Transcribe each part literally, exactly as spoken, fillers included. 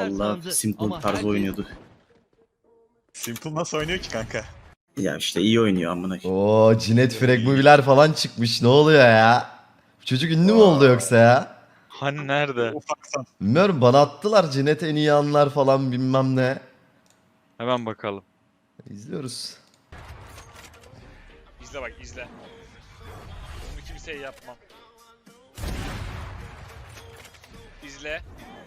Vallahi Simple tarzı oynuyordu. Simple nasıl oynuyor ki kanka? Ya işte iyi oynuyor amına koyayım. Oo, Cinet Frag Movie'ler falan çıkmış. Ne oluyor ya? Bu çocuk ünlü mü oldu yoksa ya? Hani nerede? Ufaksan. Bilmiyorum, bana attılar Cinet en iyi anlar falan bilmem ne. Hemen bakalım. İzliyoruz. İzle bak izle. Bunu kimseye yapmam. İzle.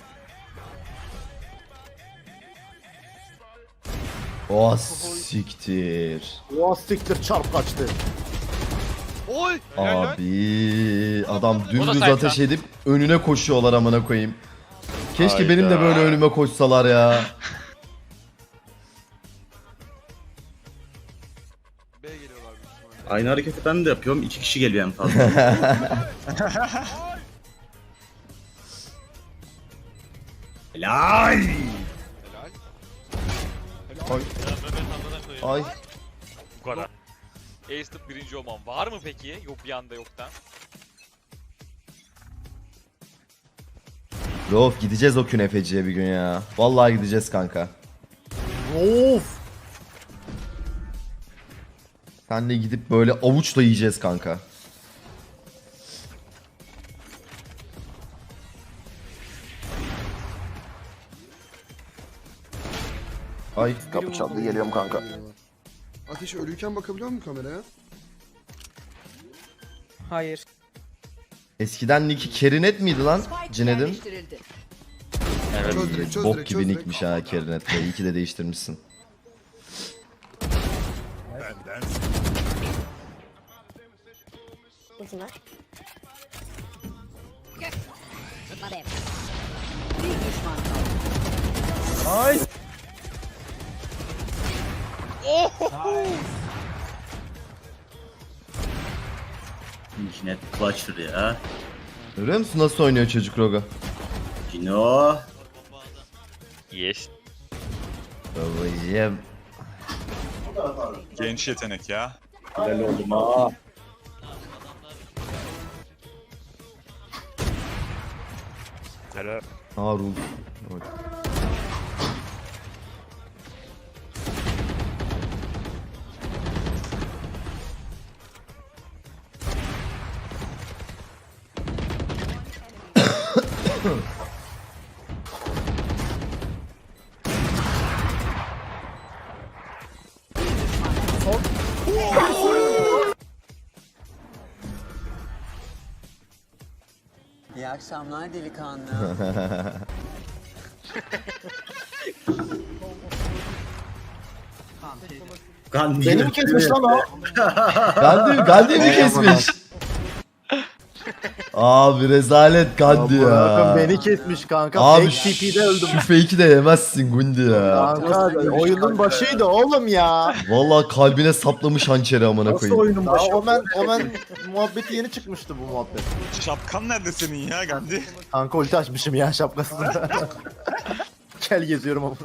Oh siktir. O siktir çarp kaçtı. Oy! Helal lan. Abi adam O da dümdüz sayfa. ateş edip önüne koşuyorlar amına koyayım. Keşke Hayda. benim de böyle önüme koşsalar ya. Aynı hareketi ben de yapıyorum. İki kişi geliyor en fazla. Helal. Ay. Bu kadar. Ace'de birinci olmam var mı peki? Yok bir anda yoktan. Of, gideceğiz o künefeciye bir gün ya. Vallahi gideceğiz kanka. Of. Senle gidip böyle avuçla yiyeceğiz kanka. Ay. Kapı çaldı, geliyorum kanka. Ateş ölüyken bakabiliyor musun kameraya? Hayır. Eskiden Nick'i Kerinet miydi lan Cined'in? Evet. Çöz direkt, çöz Bok direkt, gibi çöz direkt. nickmiş ha Kerinet de. İyi ki de değiştirmişsin. Ultim var. Hadi. Ay. Cinet Clutcher ya. Görüyor musun nasıl oynuyor çocuk Roga? Cino. Yes. Babacım. Genç yetenek ya. Helal oldum ha. Helal. Harun. İyi akşamlar delikanlı. Gandhi. Beni mi kesmiş lan o? Gandhi, Gandhi mi kesmiş? Abi rezalet Gandhi Bakın ya. beni kesmiş kanka. Abi Fake T P'de öldüm. şu fake'i de yemezsin Gundi ya. Kanka oyunun başıydı oğlum ya. Vallahi kalbine saplamış hançeri amına Nasıl koyayım. oyunun başı? Omen, Omen muhabbeti yeni çıkmıştı bu muhabbet. Şapkan nerede senin ya Gandhi? Kanka ulti açmışım ya şapkasını. Kel geziyorum ama.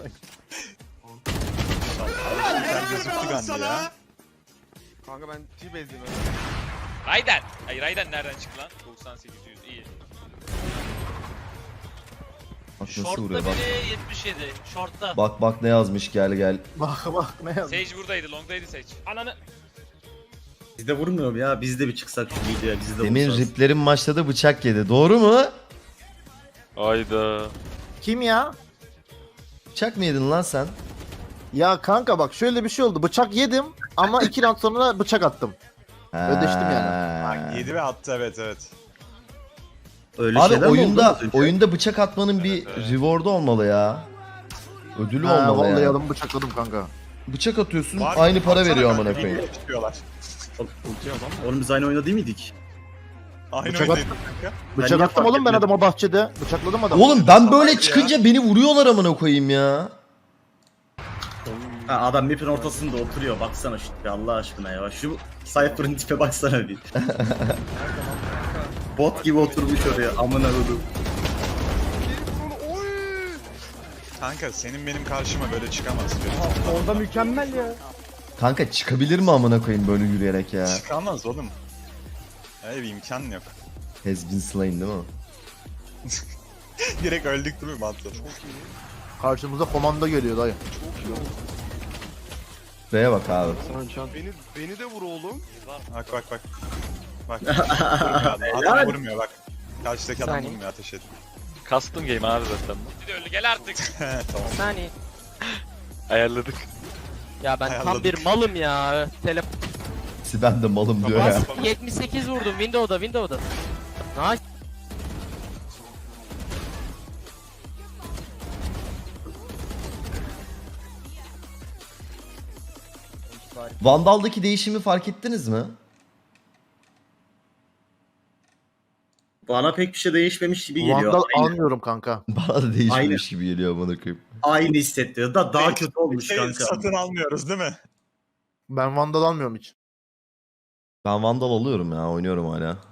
Sen gözüktü Gandhi ya. Kanka ben T-base'deyim. Raiden. Ay Raiden nereden çıktı lan? doksan sekiz yüz iyi. Bak nasıl vuruyor bak. biri yetmiş yedi. Short'ta. Bak bak ne yazmış, gel gel. Bak bak ne yazmış. Sage buradaydı. Long'daydı Sage. Ananı. Bizde vurmuyorum ya. Biz de bir çıksak şu videoya. Bizi de Demin vursanız. riplerin başladı, bıçak yedi. Doğru mu? Ayda. Kim ya? Bıçak mı yedin lan sen? Ya kanka bak şöyle bir şey oldu. Bıçak yedim ama iki round sonra bıçak attım. Ödeştim yani. Bak yedi ve attı evet evet. Öyle Abi şeyler mi oldu oyunda az önce? oyunda bıçak atmanın bir reward'u olmalı ya. Ödülü Ha, olmalı vallahi yani. adamı bıçakladım kanka. Bıçak atıyorsun, Var, aynı para baksana veriyor kanka, amına koyayım. birbirine çıkıyorlar. Oğlum biz aynı oyunda değil miydik? Aynı Bıçak oynayın kanka. Bıçak niye attım fark oğlum ben etmedim? adama bahçede. Bıçakladım adamı. Oğlum ben böyle ya. çıkınca beni vuruyorlar amına koyayım ya. Ha, adam map'in ortasında oturuyor. Baksana şu tipe Allah aşkına ya. Şu Cypher'ın tipe baksana bir. Bot gibi oturmuş oraya. Amına koydum. Kanka senin benim karşıma böyle çıkamaz. Orada mükemmel ya. Kanka çıkabilir mi amına koyayım böyle yürüyerek ya? Çıkamaz oğlum. Öyle bir imkan yok. Has been slain değil mi? Direkt öldük değil mi Bantla? Karşımıza komando geliyor dayı. Çok iyi oldu. B'ye bak abi. Beni, beni de vur oğlum. Bak bak bak. Bak. Vurmuyor adam. Adam Helal. vurmuyor bak. Karşıdaki adam Saniye. vurmuyor, ateş ediyor. Custom game abi zaten. Bir de öldü gel artık. Tamam. Saniye. Ayarladık. Ya ben tam Ayarladık. bir malım ya. Telefon. Ben de malım diyor ya. yetmiş sekiz vurdum Windows'da Windows'da. Nice. Vandal'daki değişimi fark ettiniz mi? Bana pek bir şey değişmemiş gibi geliyor. Vandal Aynı, almıyorum kanka. Bana da değişmemiş gibi geliyor bana koyayım. aynı hissettiriyor. Da daha kötü olmuş Şey, kanka. satın almıyoruz değil mi? Ben Vandal almıyorum hiç. Ben Vandal alıyorum ya, oynuyorum hala.